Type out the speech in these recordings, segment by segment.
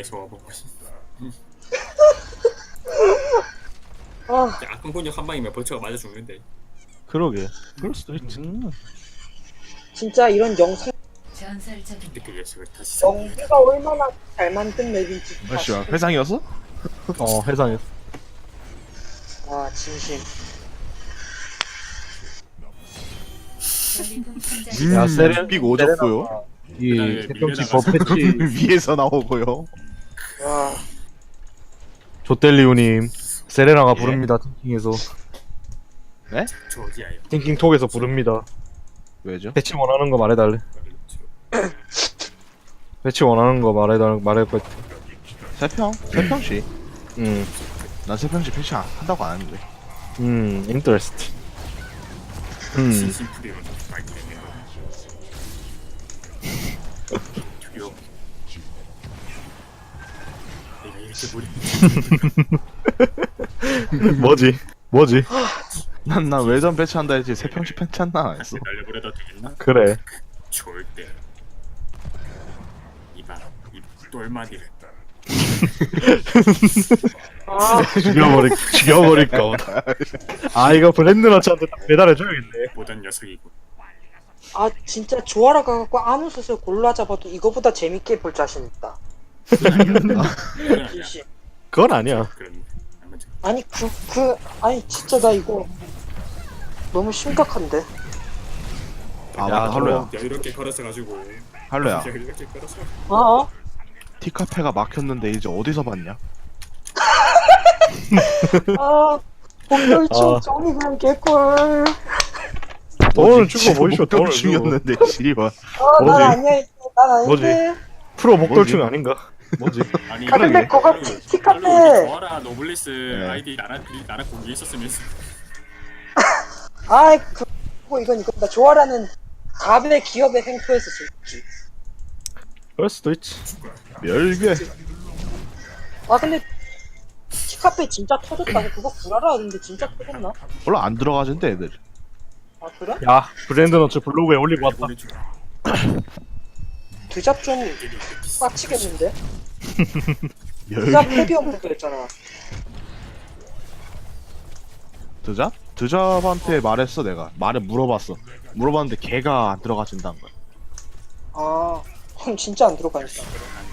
계속 와보고 아, 악군군역 한 방이면 벌처가 맞아 죽는데. 그러게. 그럴 수도 있지. 진짜 이런 영상 전설적인 근데 그 예측을 다시 연기가 얼마나 잘 만든 맵인지 아씨, 회상이었어? 회상이었어. 아 진심. 전리품 성장 야, 세렌 빅 오졌고요. 이 이 태평치 버패치 위에서 나오고요. 와, 조텔리우님 세레나가 예? 부릅니다. 팅킹에서 저지아요. 팅킹톡에서 부릅니다. 왜죠? 배치 원하는 거 말해달래. 배치 원하는 거 말할 거. 세평씩. 음, 난 세평씩 패치 한다고 안 했는데. 인터레스트. 신심풀이로 많이 되네요. 두려워. 내가 이렇게 머리 뭐지? 난 외전 패치한다 했지 세평씩 패치한다 안 했어. 날려버려도 되겠나? 그래. 좋을 때. 이봐, 이 똘마디를. 죽여버릴까 보다. 아, 이거 블렌드너츠한테 딱 배달해줘야겠네. 보던 녀석이고. 아 진짜 조아라 가갖고 아무 수술 골라 잡아도 이거보다 재밌게 볼 자신 있다. 진심. 그건 아니야. 그런 아무튼 아니 아니 진짜 나 이거 너무 심각한데. 아 맞다 할로야. 이렇게 걸어서 가지고. 할로야. 이렇게 걸어서. 어? 티카페가 막혔는데 이제 어디서 봤냐? 아, 복돌충 아. 정이 그냥 개꿀. 돈을 주고 뭐 있어? 돈을 주고. 중이었는데 씨발. 난 뭐지? 아니야, 난 아닌데. 프로 목돌충 아닌가? 뭐지? 아니, 아, 근데 그거 티카페. 좋아라 노블리스 네. 아이디 나랑 공개 있었으면 아이, 이건 나 조아라는 갑의 기업의 횡포에서 즐기. 그럴 수도 있지. 멸괴. 아, 근데 티카페 진짜 터졌다고 그거 구라라 하는데 진짜 터졌나? 몰라 안 들어가진대 애들. 아, 그래? 야, 블렌드너츠 블로그에 올리고 왔다. 드잡 좀 빡치겠는데? 멸괴. 드잡 헤비형 부부였잖아. 드잡한테 말했어 내가. 물어봤어. 물어봤는데 걔가 안 들어가진다는 거야. 아, 그럼 진짜 안 들어가니까.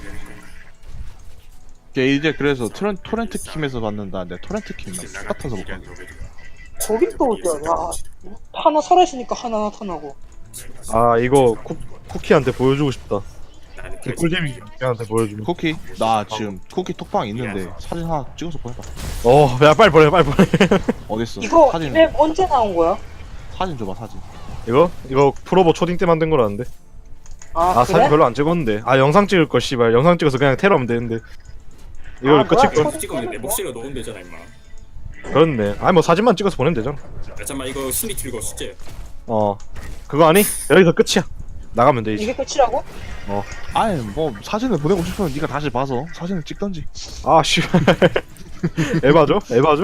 걔 이제 그래서 토렌트 킴에서 받는다는데 토렌트 킴 같아서 못 받는. 저긴 또 어디야? 야, 하나 사라지니까 하나 나타나고. 아, 이거 쿠키한테 보여주고 싶다. 개꿀잼이 쿠키한테 보여주면. 쿠키? 나 지금 쿠키 톡방 있는데 사진 하나 찍어서 보내봐. 야, 빨리 보내. 어딨어? 이거 사진 맵 언제 나온 거야? 사진 줘봐 사진. 이거 프로보 초딩 때 만든 거라는데. 아, 아, 그래? 사진 별로 안 찍었는데. 아, 영상 찍을 걸 씨발. 영상 찍어서 그냥 테러하면 되는데. 이걸 아, 끝일 뭐야, 걸. 초- 찍으면 내 목소리가 넣으면 되잖아 임마. 그렇네. 아니 뭐 사진만 찍어서 보내면 되잖아. 야, 잠깐만 이거 심리 틀고 숙제. 그거 아니? 여기서 끝이야. 나가면 돼 이제. 이게 끝이라고? 아니 뭐 사진을 보내고 싶으면 네가 다시 봐서 사진을 찍던지. 아 씨발. 에바죠?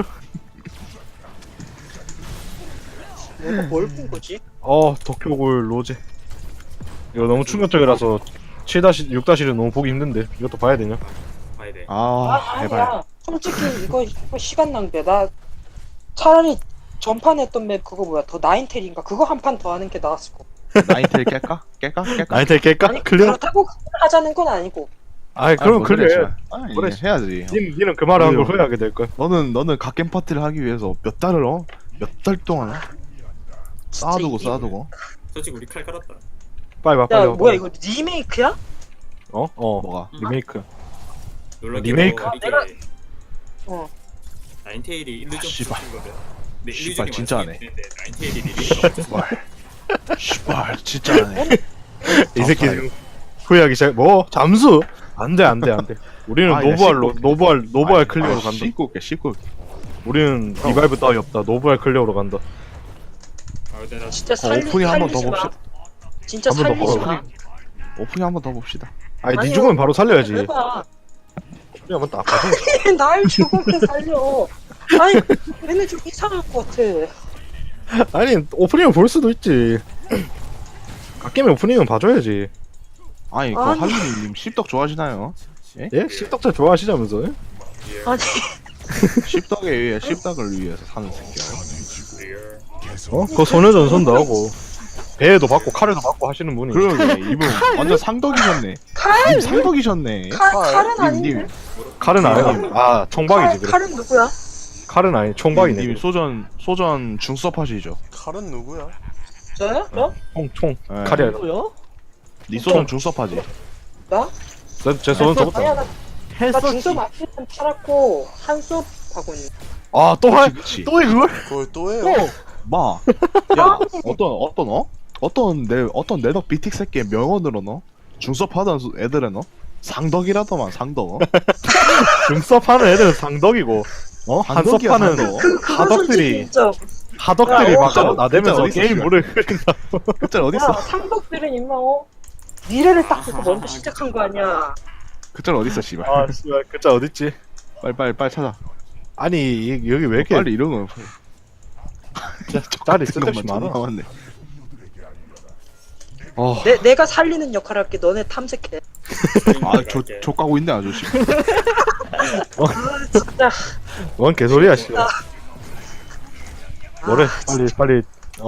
내가 뭘 본 거지? 도쿄골 로제. 이거 너무 충격적이라서 7-6-1은 너무 보기 힘든데 이것도 봐야 되냐? 봐야 돼. 제발. 아니야. 솔직히 이거 시간 낭비야. 나 차라리 전판 했던 맵 그거 뭐야? 더 나인텔인가? 그거 한 판 더 하는 게 나았을 거. 나인텔 깰까? 깰까? 나한테 깰까? 아니, 클리어? 그렇다고 하자는 건 아니고. 아이 그럼 클리어. 아니 그래. 해야지. 니는 그 말을 한 걸 그래요. 후회하게 될 거야. 너는 갓겜 파티를 하기 위해서 몇 달 동안 쌓아두고 진짜 쌓아두고. 솔직히 우리 칼 깔았다. 빨리 와 야, 빨리 와. 뭐야 이거 리메이크야? 뭐가? 리메이크. 놀랍게도 리메이크. 이게 어. 나인테일이 일루전 씨발. 거든. 근데 씨발, 일루전이 진짜 완성이 하네. 됐는데 나인테일이 리메이크가 없었어. 씨발 진짜 하네. 이 새끼 지금 후회하기 시작. 뭐 잠수? 안돼. 우리는 아, 야, 노브할 클리어로 간다. 씹고 올게. 우리는 리바이브 따위 없다. 노브할 클리어로 간다. 아, 근데 나 진짜 오프닝 한번 더 살리지 마. 봅시다. 진짜 한번 더 살리지 봐봐. 마. 오프닝 한번 더 봅시다. 아니 니 아니요. 죽으면 바로 살려야지. 해봐. 그냥 딱 봐서. 날 죽으면 살려. 아니, 얘네 좀 이상할 것 같아. 아니 오프닝을 볼 수도 있지. 갓게임 오프닝은 봐줘야지. 아니 그 아니. 할리님 씹덕 좋아하시나요? 예? 씹덕자 좋아하시자면서? 예? 아니 씹덕에 의해 씹덕을 위해서 사는 새끼야. 리얼. 어? 그거 소녀전선도 하고 배에도 받고 칼에도 받고 하시는 분이. 그러게 이분 완전 상덕이셨네. 칼? 님 상덕이셨네. 칼은 아닌데. 님 칼은 아니고 아 총박이지 그래. 칼은 누구야? 칼은 아니 총박이네. 님 소전 중섭 하시죠. 칼은 누구야? 저요? 저? 총 네. 칼이 아니라. 누구요? 니 소전 중섭 하지. 나? 제 손은 저것도. 아니야 나 중섭 앞에는 팔았고 한섭 하고 있는. 아또 할. 그치. 또 해 그걸? 그걸 또 해요? 마. 야 어떤 내덕 비틱 새끼의 명언으로 너 중섭 하던 애들은 너 상덕이라더만 상덕. 어? 중섭하는 애들은 상덕이고 상덕이야, 한섭하는 상덕. 그건 하덕들이- 솔직히 인정. 하덕들이 야, 막 진짜 나대면서 어딨어, 게임 씨발. 물을 흐린다. 그짤 야 어딨어? 상덕들은 임마 미래를 딱 보고 먼저 시작한 거 아니야. 그짤 어딨어 씨발. 아 씨발 그자 어딨지? 빨리 찾아. 아니 여기 왜 이렇게 빨리 이런 거. 짤이 쓸데없이 많아. 남았네. 어. 내가 살리는 역할 할게. 너네 탐색해. 조 까고 있네 아저씨. 아 진짜. 뭔 개소리야 씨발. 뭐래 빨리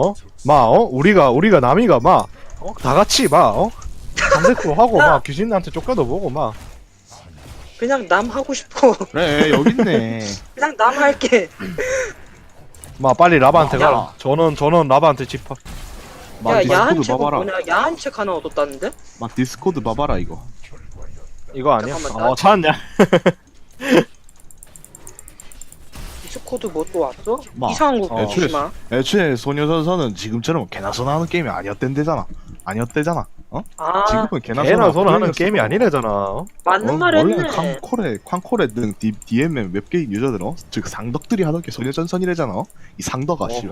우리가 남이가 다 같이 담배코 하고 귀신한테 쫓겨도 보고 그냥 남 하고 싶어. 그래 여기 있네. 그냥 남 할게. 빨리 라바한테 야. 가라. 저는 라바한테 집합. 야 야한 디스코드 책은 봐봐라. 뭐냐? 야한 책 하나 얻었다는데? 막 디스코드 봐봐라 이거. 이거 아니야? 잠깐만, 나- 찾았냐? 디스코드 뭐 또 왔어? 마. 이상한 거 애초에 보지 마. 애초에 소녀전선은 지금처럼 개나 소나 하는 게임이 아니었대잖아. 어? 아 지금은 개나 걔나 소나 하는 플레이어 게임이 쓰고. 아니래잖아. 맞는 말 했네. 원래 쾅코레 등 DMM 웹게임 유저들 즉 상덕들이 하던 게 소녀전선이래잖아. 이 상덕아 씨발.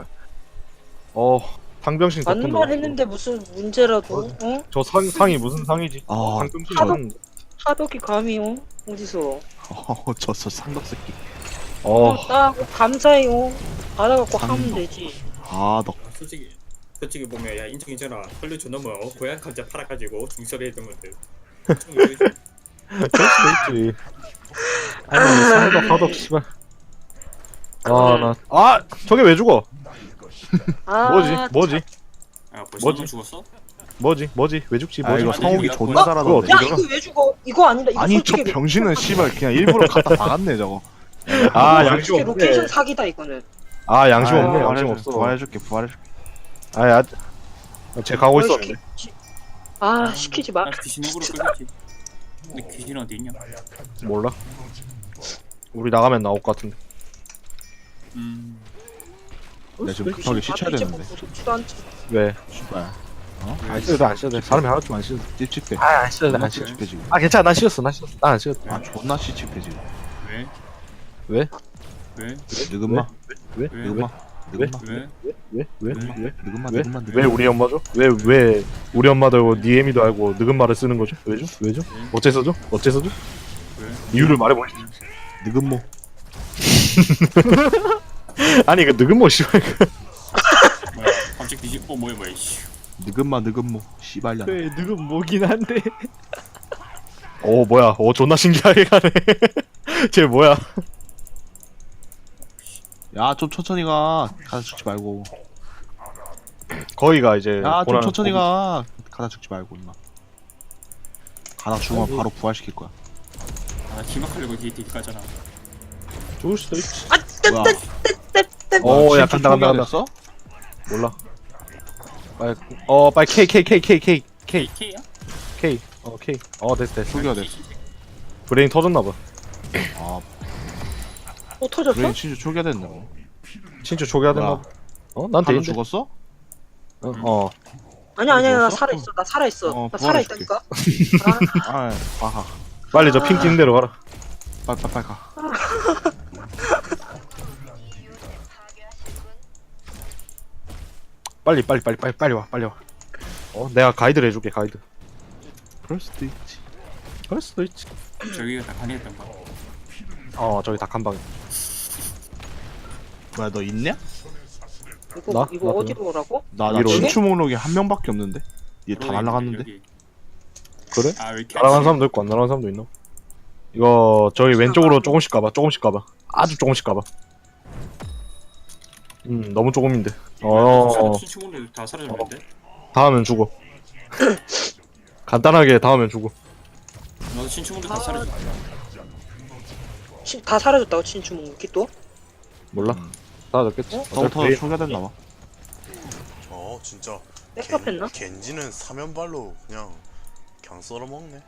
상병신 맞는 덕분도 말 없고. 했는데 무슨 문제라도 응? 저 상이 무슨 상이지? 아, 상병신 하도- 맞는 하덕이 감히 어디서 저 상덕 새끼. 나 감사해요. 받아갖고 하면 되지. 너 솔직히 보면 야 인정이잖아. 헐리 존나 뭐 고양 감자 팔아가지고 중섭에 했던 건데. 그럴 수도 있지. 아니 상덕 하덕 씨발. 저게 왜 죽어? 아, 뭐지? 아 벌써 뭐지? 너 죽었어? 뭐지? 왜 죽지? 아 뭐지? 이거 성욱이 존나 그거 잘하던데. 야 이거 왜 죽어? 이거 아니다. 이거 아니 저 솔직히 병신은 씨발 그냥 일부러 갖다 박았네 저거. 양심 솔직히 없네. 로케이션 사기다 이거는. 양심 아, 없네. 양심 부활해줄게, 없어. 부활해줄게. 쟤 가고 있었는데. 시키지 마. 아 귀신 으로 끌렸지. 근데 귀신 어디 있냐? 몰라. 우리 나가면 나올 것 같은데. 나 지금 급하게 시쳐야 되는데. 좋지도 않지. 왜? 씨발. 안 씻어도 돼. 사람이 하나쯤 안 씻어도 돼. 찝찝해. 안 씻어도 존나 찝찝해 지금. 괜찮아. 난 씻었어. 난 안 씻었어. 존나 찝찝해 지금. 왜? 왜? 왜? 느금마. 왜? 왜? 느금마. 느금마. 왜? 느금마. 왜? 느금마. 왜 우리 엄마죠? 왜 우리 엄마도 알고 니 애미도 알고 늙은 말을 쓰는 거죠? 왜죠? 어째서죠? 왜? 이유를 말해보시죠. 느금모. 아니 그 늙은 뭐 씨발. 뭐야? 갑자기 귀신 뭐야 씨. 느금모. 씨발년. 그래 늙은 뭐긴 한데. 뭐야? 존나 신기하게 가네. 쟤 뭐야? 야 좀 천천히 가. 가다 죽지 말고. 거기가 이제 야 좀 보라는 천천히 가. 가다 죽지 말고 임마. 가다 죽으면 바로 부활시킬 거야. 아 기막하려고 뒤에 가잖아. 죽을 수도 있지. 뭐야, 야 진짜 간다. 됐어? 몰라. 빨리 K. K야? K. 됐어. 초기화 됐어. 브레인 터졌나봐. 또 터졌어? 브레인 진짜 초기화 됐네. 진짜 초기화됐나봐. 난 한 되는데. 죽었어? 아니야 나 죽었어? 살아있어. 나 살아있어. 어, 나 살아있다니까. 아, 빨리 저 핑 튀는 대로 가라. 빨리 가. 빨리 와. 내가 가이드를 해줄게, 가이드. 그럴 수도 있지. 그럴 수도 있지. 저기가 다 간이었던 거. 저기 닭 한 방에. 뭐야 너 있냐? 이거 나? 이거 나 어디로 오라고? 나 위로 친추 목록에 한 명밖에 없는데. 얘 다 날라갔는데. 그래? 아왜 이렇게 날아간 사람도 있고 안 날아간 사람도 있나? 이거 저기 왼쪽으로 조금씩 가봐. 조금씩 가봐. 아주 조금씩 가봐. 너무 조금인데. 친구들 다 사라졌는데? 닿으면 죽어. 간단하게 닿으면 죽어. 나도 친구들 다 사라졌어. 다 사라졌다고 친추 먹기 또? 몰라. 닿아졌겠지. 더부터 초기화됐나 봐. 진짜 백업했나? 겐지는 사면발로 그냥 썰어먹네.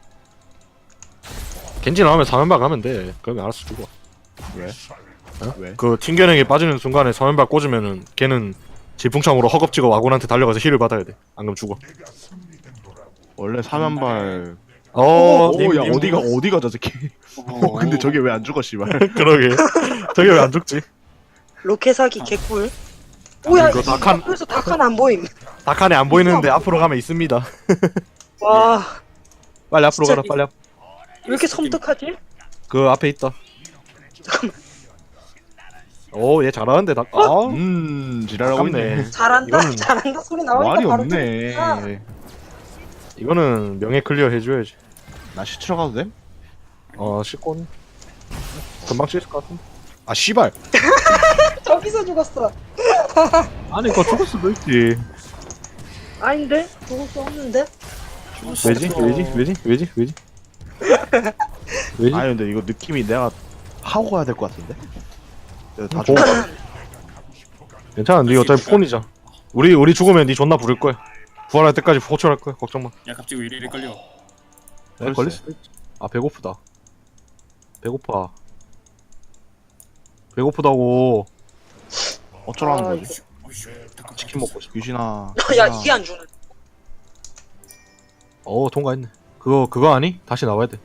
겐지 나오면 3연박 가면 돼. 그러면 알아서 죽어. 왜? 어? 왜? 그 튕겨내기 빠지는 순간에 3연박 꽂으면은 걔는 질풍창으로 허겁지겁 와군한테 달려가서 힐을 받아야 돼. 안 그럼 죽어. 원래 사면발. 님, 야 님. 어디가 저 새끼. 근데 저게 왜 안 죽어 씨발. 그러게. 저게 왜 안 죽지? 로켓 사기 개꿀. 뭐야 이거 다칸- 그래서 다칸 안 보임. 다칸에 안 보이는데 앞으로 가면 있습니다. 와, 빨리 앞으로 진짜 가라. 빨리 앞. 왜 이렇게 섬뜩하지? 그 앞에 있다. 잠깐만. 오, 얘 잘하는데 다. 지랄하고 있네. 아깝네. 잘한다, 이거는 잘한다 소리 나오니까 말이 바로 없네. 들리니까. 이거는 명예 클리어 해줘야지. 나 시추러 가도 돼? 씻고는 금방 씻을 것 같은데. 아, 씨발. 저기서 죽었어. 아니, 그거 죽을 수도 있지. 아닌데? 죽을 수 없는데? 왜지? 왜지? 아니 근데 이거 느낌이 내가 하고 가야 될 것 같은데. 내가 다 뭐? 죽어. 괜찮아, 니 어차피 폰이자. 우리 죽으면 니 존나 부를 거야. 부활할 때까지 호출할 거야. 걱정 마. 야 갑자기 왜 이래 걸려? 네, 걸릴 수도 있지. 아, 배고프다. 배고파. 배고프다고. 어쩌라는 아, 거지? 어이씨, 잠깐만. 치킨 먹고 싶어. 유진아. 야 이게 안 주네. 통과했네. 그거 아니? 다시 나와야 돼.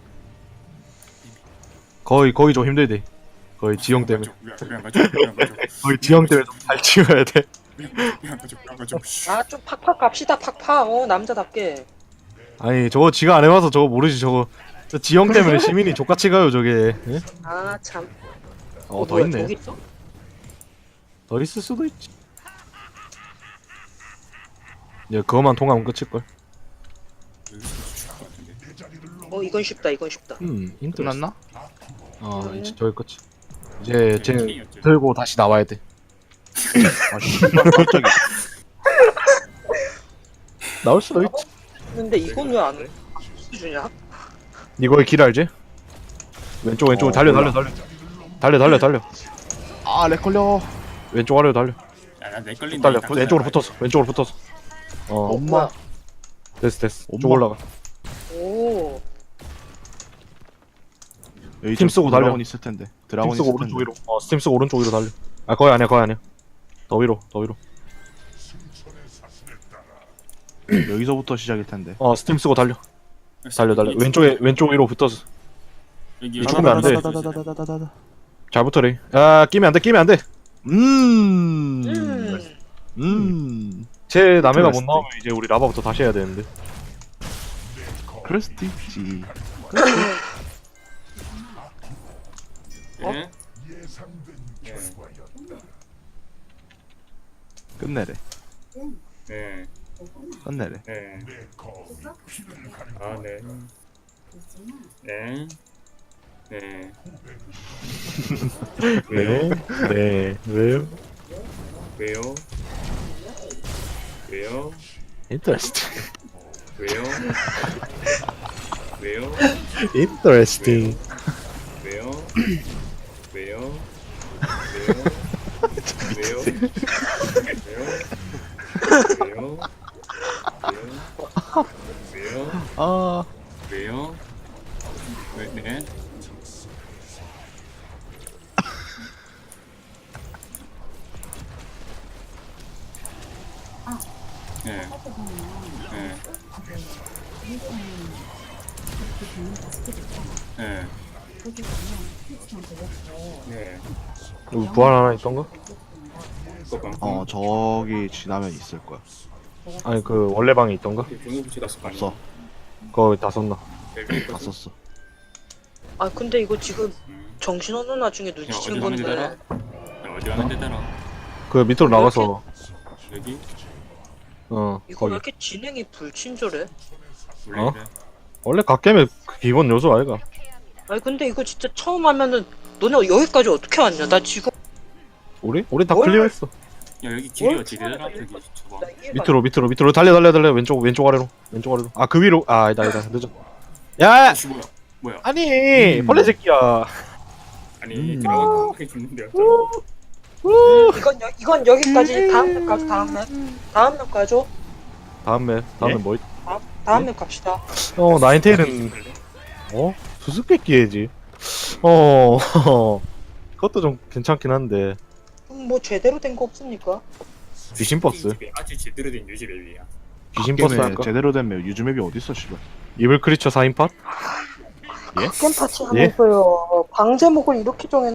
거의 좀 힘들대. 거의 지형 때문에. 왜안 가져? 왜안 가져? 거의 지형 때문에 좀 잘 치워야 돼. 왜안 가져? 왜안 가져? 아 좀 팍팍 갑시다 팍팍. 남자답게. 아니, 저거 지가 안 해봐서 저거 모르지. 저거 저 지형 때문에 시민이 족같이 가요 저게. 예? 아 참. 더 뭐야, 있네. 저기 있어? 더 있을 수도 있지. 얘 그거만 통하면 끝일걸. 여기서 죽을 것 같은데. 이건 쉽다 이건 쉽다. 인터넷. 끝났나? 이제 저기 끝이. 이제 쟤 킹이었지. 들고 다시 나와야 돼. 아 씨발 갑자기. 나올 수도 있지. 근데 이건 왜 안 주냐? 이거의 길 알지? 왼쪽 달려. 아 렉 걸려. 왼쪽 아래로 달려. 야나내 걸린다. 달려. 왼쪽으로 붙어서. 엄마. 됐어. 엄마. 쭉 올라가. 오. 여기 팀 좀 쓰고 달려. 드라곤 있을 텐데. 스팀 드라곤 쓰고 있을 텐데. 오른쪽 위로. 스팀 쓰고 오른쪽 위로 달려. 아, 거기 아니야. 더 위로. 여기서부터 시작일 텐데. 스팀 쓰고 달려. 왼쪽 위로 붙어서. 여기 죽으면 안 돼. 다다다다다다다다다. 잘 붙어래. 아, 끼면 안 돼. 제 남해가 못 나오면 이제 우리 라바부터 다시 해야 되는데. 그럴 수도 있지. 예? 끝내래. 네. 끝내래. 네. 아 네. 네. 네. 왜요? 왜요? 왜요? 왜요? 인터레스팅. 왜요? 왜요? 인터레스팅. 왜요? 왜요? 왜요? 왜요? 왜요? 왜요? 아 왜요? 왜? 네? 네. 네. 네. 네. 여기 부활 하나 있던가? 저기 지나면 있을 거야. 아니, 그 원래 방에 있던가? 중국부터 갔을 거 아니야? 없어. 거기 다 썼나? 다 썼어. 아 근데 이거 지금 정신없는 와중에 눈치챈 어디 가면 건데. 어디 가면 되잖아. 그 밑으로 나가서 여기? 이거 왜 거기. 이렇게 진행이 불친절해? 원래 어? 그래. 원래 갓겜의 기본 요소 아이가? 아니 근데 이거 진짜 처음 하면은 너네 여기까지 어떻게 왔냐? 나 지금 우리 다 뭘? 클리어했어. 야 여기 길이 뭘 어떻게 되더라 저기 저거. 나 이해가 밑으로 달려 왼쪽 아래로 아 그 위로 아 아니다 늦어. 야 혹시 뭐야 아니 벌레 새끼야. 아니 들어가 하게 죽는데요. 이건 여기까지 다음 맵 가죠. 다음 맵 가죠. 다음에 예? 뭐 다음 맵 갑시다. 나인테일은 수수께끼해지. 그것도 좀 괜찮긴 한데 뭐 제대로 된 거 없습니까? 귀신 버스 아주 제대로 된 유지 맵이야. 귀신 버스 게임에 할까? 제대로 된 맵 유즈맵이 어딨어 씨발. 이블 크리처 4인팟? 게임 파티 예? 하면서요. 방제목을 이렇게 정해